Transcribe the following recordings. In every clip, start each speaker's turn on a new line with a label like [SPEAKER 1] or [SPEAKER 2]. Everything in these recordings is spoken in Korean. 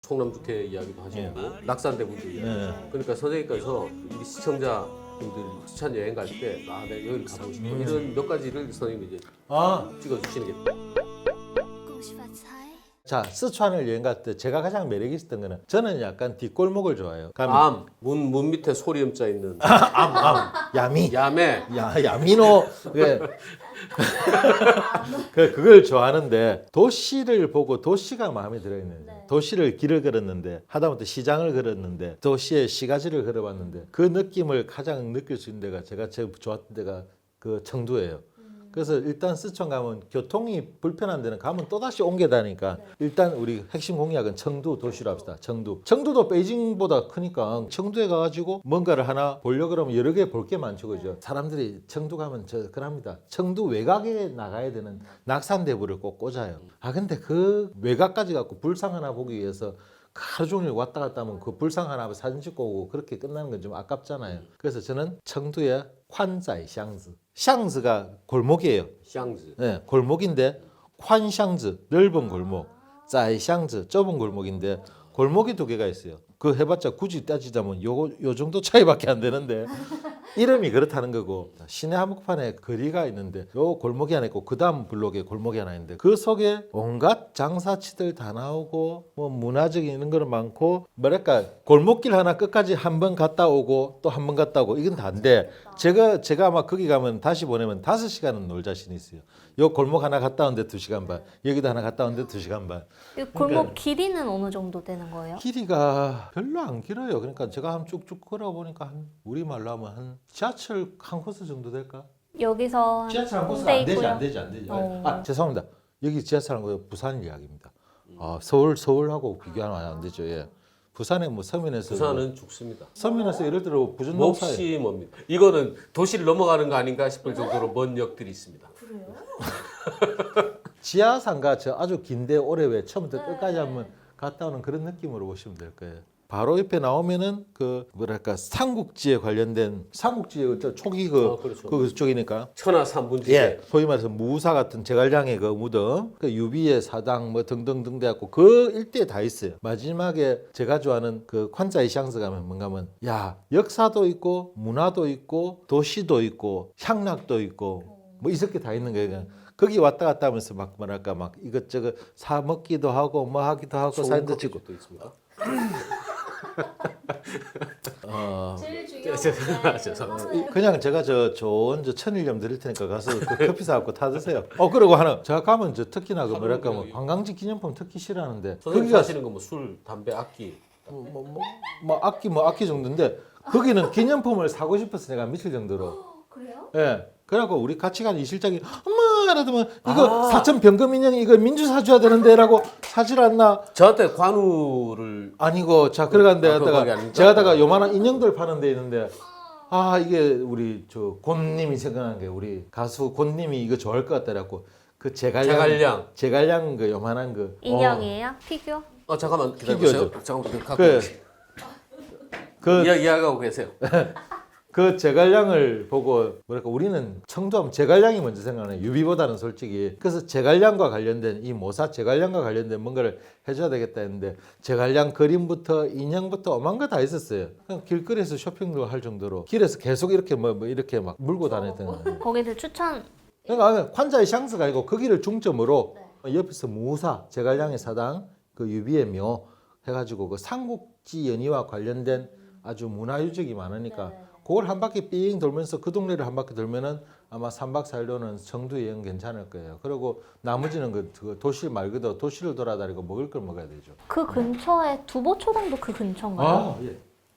[SPEAKER 1] 송남주회 이야기도 하시고 낙산대군도 이야기. 그러니까 선생님께서 우리 시청자분들 추천 여행 갈 때 아, 내가 여기를 가보고 싶어 이런 몇 가지를 선생님이 이제 찍어주시는 게.
[SPEAKER 2] 자, 스촨을 여행 갈 때 제가 가장 매력 있었던 거는 저는 약간 뒷골목을 좋아해요.
[SPEAKER 1] 문 밑에 소리음자 있는
[SPEAKER 2] 야미.
[SPEAKER 1] 야매.
[SPEAKER 2] 야미노. 그걸 좋아하는데 도시를 보고 도시가 마음에 들어있는 도시를 길을 걸었는데 하다못해 시장을 걸었는데 도시의 시가지를 걸어봤는데 그 느낌을 가장 느낄 수 있는 데가 제가 제일 좋았던 데가 그 청두예요. 그래서 일단 스촨 가면 교통이 불편한 데는 가면 또다시 옮겨 다니까 일단 우리 핵심 공약은 청두 도시로 합시다. 청두도 베이징보다 크니까 청두에 가가지고 뭔가를 하나 보려고 그러면 여러 개 볼 게 많죠. 그죠? 사람들이 청두 가면 그럽니다. 청두 외곽에 나가야 되는 낙산대부를 꼭 꽂아요. 근데 그 외곽까지 갖고 불상 하나 보기 위해서 하루 종일 왔다 갔다 하면 그 불상 하나 사진 찍고 오고 그렇게 끝나는 건 좀 아깝잖아요. 그래서 저는 청두의 환자이 샹즈가 골목이에요.
[SPEAKER 1] 샹즈.
[SPEAKER 2] 네, 골목인데 콴샹즈 넓은 골목, 짜이샹즈 좁은 골목인데 골목이 두 개가 있어요. 그 해봤자 굳이 따지자면 요 정도 차이밖에 안 되는데 이름이 그렇다는 거고 시내 한복판에 거리가 있는데 요 골목이 하나 있고 그 다음 블록에 골목이 하나 있는데 그 속에 온갖 장사치들 다 나오고 뭐 문화적인 이런 거는 많고 뭐랄까 골목길 하나 끝까지 한 번 갔다 오고 또 한 번 갔다 오고 이건 다인데 제가 아마 거기 가면 다시 보내면 5시간은 놀 자신이 있어요. 요 골목 하나 갔다 오는데 2시간 반, 여기도 하나 갔다 오는데 2시간 반.
[SPEAKER 3] 이 골목 길이는 어느 정도 되는 거예요?
[SPEAKER 2] 길이가 별로 안 길어요. 그러니까 제가 한 쭉쭉 걸어보니까 우리말로 하면 한 지하철 한 코스 정도 될까?
[SPEAKER 3] 여기서
[SPEAKER 2] 지하철 한 코스
[SPEAKER 3] 홍대
[SPEAKER 2] 안 되지. 죄송합니다. 여기 지하철 한 코스 부산 이야기입니다. 서울하고 비교하면 안 되죠. 예. 부산에 뭐 서면에서
[SPEAKER 1] 부산은 죽습니다.
[SPEAKER 2] 서면에서 예를 들어 부전농사에
[SPEAKER 1] 몹시 멉니다. 이거는 도시를 넘어가는 거 아닌가 싶을 정도로 먼 역들이 있습니다.
[SPEAKER 2] 지하상가 저 아주 긴데 오래 왜 처음부터 끝까지 한번 갔다 오는 그런 느낌으로 보시면 될 거예요. 바로 옆에 나오면은 그 뭐랄까 삼국지에 관련된 삼국지의 초기
[SPEAKER 1] 그렇죠.
[SPEAKER 2] 그쪽이니까
[SPEAKER 1] 천하 삼분지대.
[SPEAKER 2] 예, 소위 말해서 무사 같은 제갈량의 그 무덤, 그 유비의 사당 뭐 등등등 돼갖고 그 일대에 다 있어요. 마지막에 제가 좋아하는 그 관자이샹스 가면 뭔가 하면 야 역사도 있고 문화도 있고 도시도 있고 향락도 있고 뭐 이렇게 다 있는 거예요. 거기 왔다 갔다 하면서 막 뭐랄까 막 이것저것 사 먹기도 하고 뭐 하기도 하고 사진도 찍고
[SPEAKER 1] 또 있습니다.
[SPEAKER 3] 제일 중요한
[SPEAKER 1] 죄송합니다.
[SPEAKER 2] 그냥 제가 저 좋은 천일염 드릴 테니까 가서 그 커피 사갖고 타 드세요. 그리고 하나 제가 가면 저 특히나 그 뭐랄까 뭐 관광지 기념품 특히 싫어하는데
[SPEAKER 1] 선생님 하시는 거 뭐 술, 담배, 악기.
[SPEAKER 2] 악기 정도인데 거기는 기념품을 사고 싶어서 내가 미칠 정도로.
[SPEAKER 3] 그래요?
[SPEAKER 2] 예. 그래갖고 우리 같이 간 이 실장이 엄마 이러더만 이거 사천 병금 인형 이거 민주 사줘야 되는데라고 사질 않나?
[SPEAKER 1] 저한테 관우를
[SPEAKER 2] 아니고 자 그러간데
[SPEAKER 1] 그거
[SPEAKER 2] 갔다가
[SPEAKER 1] 아닙니까?
[SPEAKER 2] 제가 다가 요만한 인형들 파는 데 있는데 이게 우리 저 곤님이 생각난 게 우리 가수 곤님이 이거 좋아할 것 같다라고 그 제갈량 그 요만한 그
[SPEAKER 3] 인형이에요? 피규어?
[SPEAKER 1] 잠깐만 기다려보세요.
[SPEAKER 2] 피규어죠.
[SPEAKER 1] 잠깐만 갖고
[SPEAKER 2] 그
[SPEAKER 1] 이야기하고 계세요.
[SPEAKER 2] 그 제갈량을 보고 뭐랄까 우리는 청두하면 제갈량이 먼저 생각나요. 유비보다는 솔직히. 그래서 제갈량과 관련된 이 모사 제갈량과 관련된 뭔가를 해줘야 되겠다 했는데 제갈량 그림부터 인형부터 오만 거 다 있었어요. 그냥 길거리에서 쇼핑도 할 정도로 길에서 계속 이렇게 뭐 이렇게 막 물고 다녔던 거예요.
[SPEAKER 3] 거기들 추천
[SPEAKER 2] 그러니까 관자의 샹스가 아니고 거기를 중점으로 옆에서 무사 제갈량의 사당 그 유비의 묘 해가지고 그 삼국지 연희와 관련된 아주 문화유적이 많으니까 그걸 한 바퀴 삥 돌면서 그 동네를 한 바퀴 돌면은 아마 3박 4일로는 청두 여행 괜찮을 거예요. 그리고 나머지는 그 도시 말 그대로 도시를 돌아다니고 먹을 걸 먹어야 되죠.
[SPEAKER 3] 그 근처에 두보초당도 그 근처인가요?
[SPEAKER 2] 예.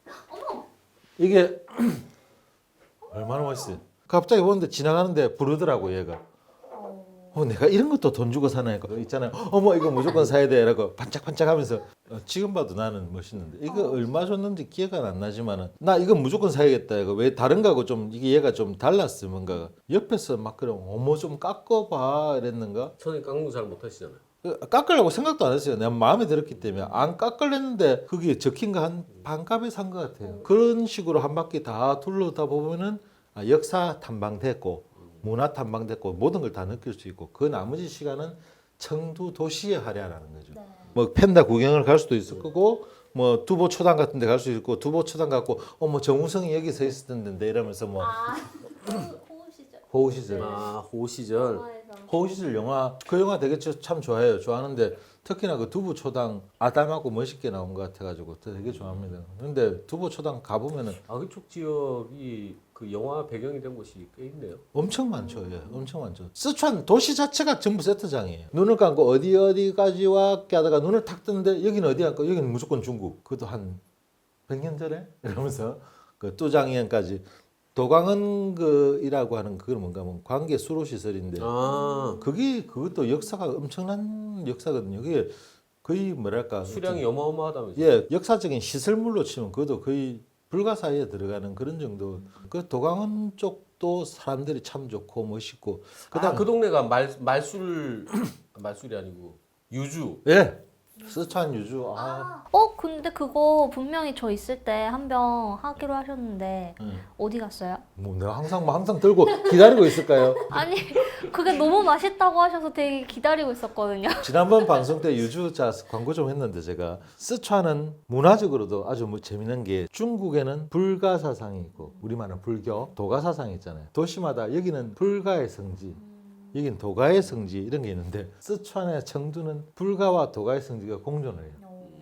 [SPEAKER 2] 이게 얼마나 멋있어요. 갑자기 보는데 지나가는데 부르더라고 얘가. 내가 이런 것도 돈 주고 사나 이거 있잖아요. 어머 이거 무조건 사야 돼라고 반짝반짝하면서 지금 봐도 나는 멋있는데 이거 얼마 줬는지 기억은 안 나지만은 나 이거 무조건 사야겠다. 이거 왜 다른 거하고 좀 이게 얘가 좀 달랐어 뭔가 옆에서 막 그럼 어머 좀 깎아봐 이랬는가?
[SPEAKER 1] 선생님 깎는 거 잘 못하시잖아요.
[SPEAKER 2] 깎으려고 생각도 안 했어요. 내가 마음에 들었기 때문에 안 깎으려는데 그게 적힌 거 한 반값에 산 것 같아요. 그런 식으로 한 바퀴 다 둘러다 보면은 역사 탐방됐고 문화 탐방됐고 모든 걸 다 느낄 수 있고 그 나머지 시간은 청두 도시의 활야라는 거죠.
[SPEAKER 3] 네.
[SPEAKER 2] 뭐 펜다 구경을 갈 수도 있을 거고 뭐 두보 초당 같은 데 갈 수 있고 두보 초당 갖고 뭐 정우성이 여기 서 있었던데 이러면서 뭐
[SPEAKER 3] 호우 시절.
[SPEAKER 2] 호우 시절
[SPEAKER 1] 호우 시절.
[SPEAKER 2] 호우 시절 영화 그 영화 되게 참 좋아해요. 좋아하는데 특히나 그 두부 초당 아담하고 멋있게 나온 것 같아가지고 되게 좋아합니다. 근데 두부 초당 가보면은
[SPEAKER 1] 그쪽 지역이 그 영화 배경이 된 곳이 꽤 있네요.
[SPEAKER 2] 엄청 많죠. 예, 엄청 많죠. 스촨 도시 자체가 전부 세트장이에요. 눈을 감고 어디까지 왔게 하다가 눈을 탁 뜨는데 여기는 어디 갈까? 여기는 무조건 중국. 그것도 한 100년 전에 이러면서 그 뚜장이현까지 도광은 그이라고 하는 그건 뭔가 뭐 관계 수로 시설인데 그것도 역사가 엄청난 역사거든요. 그게 거의 뭐랄까
[SPEAKER 1] 수량이 어마어마하다면서요.
[SPEAKER 2] 예, 역사적인 시설물로 치면 그것도 거의 불가사의에 들어가는 그런 정도. 그 도광은 쪽도 사람들이 참 좋고 멋있고. 그다음
[SPEAKER 1] 그 동네가 말술이 아니고 유주.
[SPEAKER 2] 예, 스촨 유주.
[SPEAKER 3] 근데 그거 분명히 저 있을 때 한 병 하기로 하셨는데 어디 갔어요?
[SPEAKER 2] 뭐 내가 항상 들고 기다리고 있을까요?
[SPEAKER 3] 아니 그게 너무 맛있다고 하셔서 되게 기다리고 있었거든요.
[SPEAKER 2] 지난번 방송 때 유주자 광고 좀 했는데 제가 스촨은 문화적으로도 아주 뭐 재밌는 게 중국에는 불가 사상이 있고 우리말은 불교, 도가 사상이 있잖아요. 도시마다 여기는 불가의 성지, 여긴 도가의 성지 이런 게 있는데 스촨의 청두는 불가와 도가의 성지가 공존을 해요.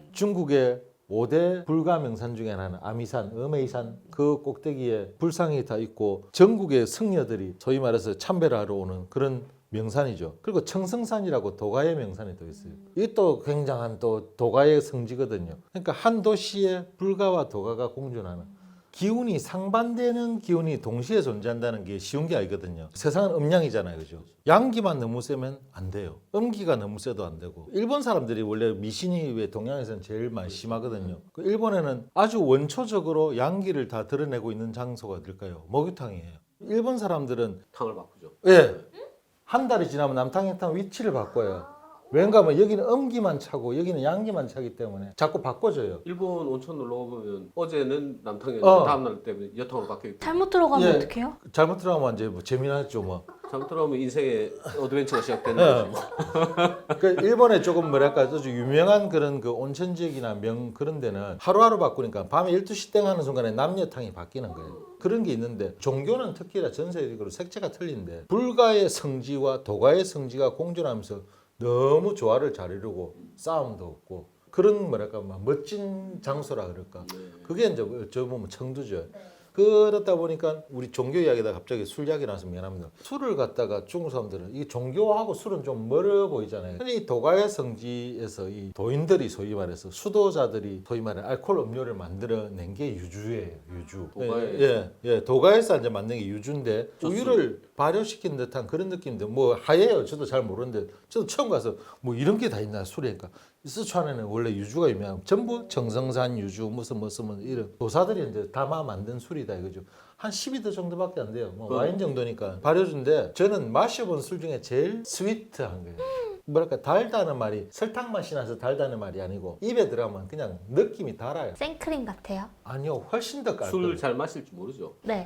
[SPEAKER 2] 중국의 5대 불가 명산 중에 하나는 아미산, 어메이산 그 꼭대기에 불상이 다 있고 전국의 승려들이 소위 말해서 참배를 하러 오는 그런 명산이죠. 그리고 청성산이라고 도가의 명산이 또 있어요. 이게 또 굉장한 또 도가의 성지거든요. 그러니까 한 도시에 불가와 도가가 공존하는 기운이 상반되는 기운이 동시에 존재한다는 게 쉬운 게 아니거든요. 세상은 음양이잖아요, 그죠? 양기만 너무 세면 안 돼요. 음기가 너무 세도 안 되고. 일본 사람들이 원래 미신이 왜 동양에서는 제일 많이 심하거든요. 그 일본에는 아주 원초적으로 양기를 다 드러내고 있는 장소가 어딜까요? 목욕탕이에요. 일본 사람들은
[SPEAKER 1] 탕을 바꾸죠.
[SPEAKER 2] 예, 한 달이 지나면 남탕이탕 위치를 바꿔요. 왠가 하면 여기는 음기만 차고 여기는 양기만 차기 때문에 자꾸 바꿔줘요.
[SPEAKER 1] 일본 온천 놀러 가보면 어제는 남탕이었는데 다음날 때문에 여탕으로 바뀌기 때문에
[SPEAKER 3] 잘못 들어가면
[SPEAKER 2] 예.
[SPEAKER 3] 어떡해요?
[SPEAKER 2] 잘못 들어가면 이제 뭐 재미나죠 뭐.
[SPEAKER 1] 잘못 들어가면 인생의 어드벤처가 시작되는 거죠.
[SPEAKER 2] 그 일본에 조금 뭐랄까 아주 유명한 그런 그 온천 지역이나 그런 데는 하루하루 바꾸니까 밤에 12시 땡 하는 순간에 남녀탕이 바뀌는 거예요. 그런 게 있는데 종교는 특히나 전 세계적으로 색채가 틀린데 불가의 성지와 도가의 성지가 공존하면서 너무 조화를 잘 이루고 싸움도 없고 그런 뭐랄까 막 멋진 장소라 그럴까 그게 이제 어쩌 보면 청두죠. 그렇다 보니까 우리 종교 이야기다 갑자기 술 이야기 나서 미안합니다. 술을 갖다가 중국 사람들은 이 종교하고 술은 좀 멀어 보이잖아요. 근데 이 도가의 성지에서 이 도인들이 소위 말해서 수도자들이 소위 말해 알코올 음료를 만들어낸 게 유주예요. 유주. 도가에서 이제 만든 게 유주인데 우유를 발효시킨 듯한 그런 느낌인데 뭐 하예요. 저도 잘 모르는데 저도 처음 가서 뭐 이런 게 다 있나 술이니까. 스촨에는 원래 유주가 유명하고 전부 정성산 유주 무슨 이런 도사들이 이제 담아 만든 술이다 이거죠. 한 12도 정도밖에 안 돼요. 뭐 와인 정도니까 발효주인데 저는 마셔본 술 중에 제일 스위트한 거예요. 뭐랄까 달다는 말이 설탕 맛이 나서 달다는 말이 아니고 입에 들어가면 그냥 느낌이 달아요.
[SPEAKER 3] 생크림 같아요?
[SPEAKER 2] 아니요, 훨씬 더 깔끔.
[SPEAKER 1] 술 잘 마실 줄 모르죠.
[SPEAKER 3] 네.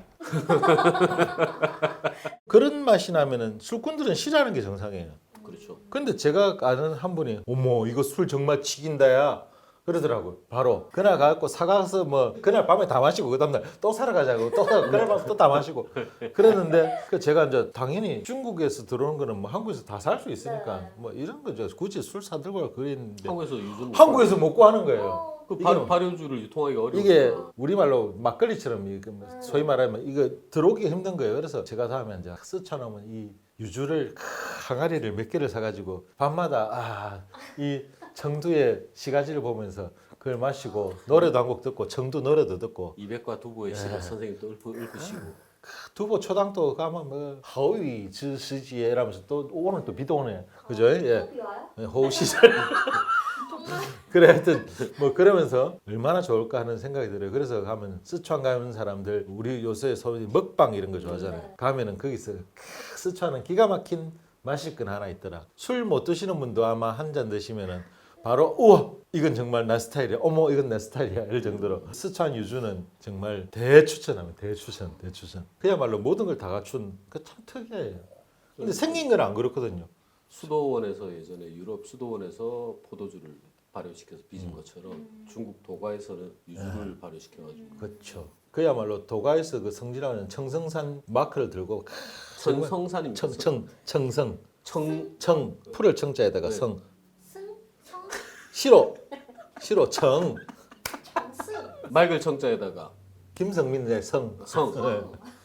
[SPEAKER 2] 그런 맛이 나면은 술꾼들은 싫어하는 게 정상이에요.
[SPEAKER 1] 그렇죠.
[SPEAKER 2] 근데 제가 아는 한 분이 어머 이거 술 정말 치긴다야 그러더라고요. 바로 그날 가갖고 사가서 뭐 그날 밤에 다 마시고 그 다음날 또 사러 가자고 또 그날 밤에 또 다 마시고 그랬는데 제가 이제 당연히 중국에서 들어오는 거는 뭐 한국에서 다 살 수 있으니까 뭐 이런 거죠. 굳이 술 사들고 갈 그랬는데 한국에서 못 구하는 거예요.
[SPEAKER 1] 그 발효주를 유통하기 어려워.
[SPEAKER 2] 이게 우리말로 막걸리처럼 소위 말하면 이거 들어오기가 힘든 거예요. 그래서 제가 다음에 이제 스촨하면 이 유주를 항아리를 몇 개를 사가지고 밤마다 이 청두의 시가지를 보면서 그걸 마시고 노래도 한 곡 듣고 청두 노래도 듣고
[SPEAKER 1] 이백과 두부의 시가 선생님 또 읊으시고
[SPEAKER 2] 두부 초당도 가면 뭐 하위 지시지에 이러면서 또 오늘 또 비도 오네 그죠? 예. 호우 시절 그래 하여튼 뭐 그러면서 얼마나 좋을까 하는 생각이 들어요. 그래서 가면 스촨 가는 사람들 우리 요새 소위 먹방 이런 거 좋아하잖아요. 가면은 거기서 스촨은 기가 막힌 마실 건 하나 있더라. 술 못 드시는 분도 아마 한 잔 드시면은 바로 우와 이건 정말 내 스타일이야. 어머 이건 내 스타일이야. 이럴 정도로 스촨 유주는 정말 대추천합니다. 대추천. 그야말로 모든 걸 다 갖춘 그 참 특이해요. 근데 생긴 건 안 그렇거든요.
[SPEAKER 1] 수도원에서 예전에 유럽 수도원에서 포도주를 발효시켜서 빚은 것처럼 중국 도가에서는 유주를 발효시켜가지고
[SPEAKER 2] 그렇죠. 그야말로 도가에서 그 성지라는 청성산 마크를 들고
[SPEAKER 1] 청성산입니다.
[SPEAKER 2] 청성
[SPEAKER 1] 청
[SPEAKER 2] 풀을 청자에다가
[SPEAKER 1] 네.
[SPEAKER 2] 성
[SPEAKER 3] 승? 성?
[SPEAKER 2] 시로 청
[SPEAKER 3] 정스?
[SPEAKER 1] 맑을 청자에다가
[SPEAKER 2] 김성민의 성.
[SPEAKER 1] 성
[SPEAKER 2] 네.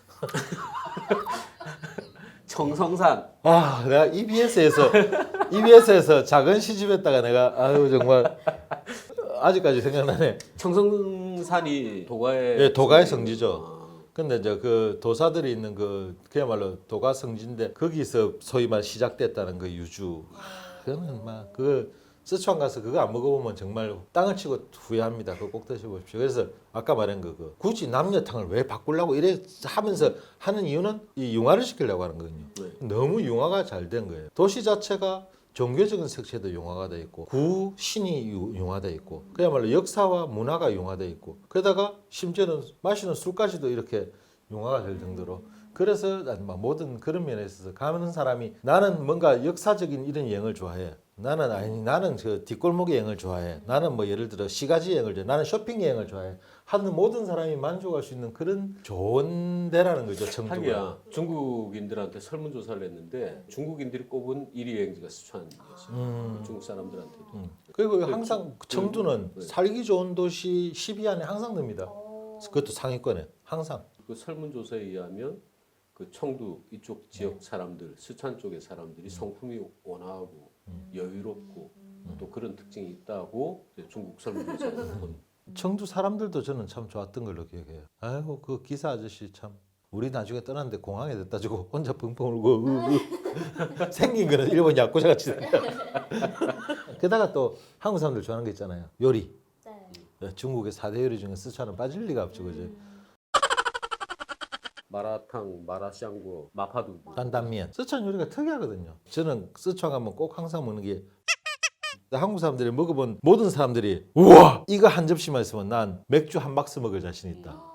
[SPEAKER 1] 청성산
[SPEAKER 2] 아, 내가 EBS에서 작은 시집했다가 내가 아유 정말 아직까지 생각나네.
[SPEAKER 1] 청성산이 도가의
[SPEAKER 2] 예, 도가의 성지죠.
[SPEAKER 1] 아,
[SPEAKER 2] 근데 이제 그 도사들이 있는 그 그야말로 도가 성지인데 거기서 소위 말 시작됐다는 그 유주. 그거는 막 그 스촨 가서 그거 안 먹어보면 정말 땅을 치고 후회합니다. 그거 꼭 드셔보십시오. 그래서 아까 말한 그 굳이 남녀탕을 왜 바꾸려고 이래 하면서 하는 이유는 이 융화를 시키려고 하는 거거든요.
[SPEAKER 1] 네.
[SPEAKER 2] 너무 융화가 잘 된 거예요. 도시 자체가 종교적인 색채도 융화가 돼 있고 구신이 융화돼 있고 그야말로 역사와 문화가 융화돼 있고 그러다가 심지어는 마시는 술까지도 이렇게 융화가 될 정도로 그래서 모든 그런 면에 있어서 가는 사람이 나는 뭔가 역사적인 이런 여행을 좋아해. 나는 그 뒷골목의 여행을 좋아해. 나는 뭐 예를 들어 시가지 여행을 좋아해. 나는 쇼핑 여행을 좋아해. 하는 모든 사람이 만족할 수 있는 그런 좋은 데라는 거죠. 청주가.
[SPEAKER 1] 하기야 중국인들한테 설문조사를 했는데 중국인들이 꼽은 1위 여행지가 스촨이었어요. 중국 사람들한테도.
[SPEAKER 2] 그리고 항상 청주는
[SPEAKER 1] 네.
[SPEAKER 2] 살기 좋은 도시 10위 안에 항상 듭니다. 그것도 상위권에 항상.
[SPEAKER 1] 그 설문조사에 의하면 그 청두 이쪽 지역 사람들, 스촨 쪽의 사람들이 성품이 온화하고 여유롭고 또 그런 특징이 있다고 이제 중국 설문조사에서 본.
[SPEAKER 2] 청주 사람들도 저는 참 좋았던 걸로 기억해요. 아이고 그 기사 아저씨 참 우리 나중에 떠났는데 공항에 됐다 주고 혼자 펑펑 울고 생긴 거는 일본 야쿠자 같이 생겨. 게다가 또 한국 사람들 좋아하는 게 있잖아요. 요리.
[SPEAKER 3] 네.
[SPEAKER 2] 중국의 4대 요리 중에 스촨은 빠질 리가 없죠. 그죠?
[SPEAKER 1] 마라탕, 마라샹궈, 마파두부.
[SPEAKER 2] 担担面. 스촨 요리가 특이하거든요. 저는 스촨 가면 꼭 항상 먹는 게 한국 사람들이 먹어본 모든 사람들이 우와 이거 한 접시만 있으면 난 맥주 한 박스 먹을 자신 있다.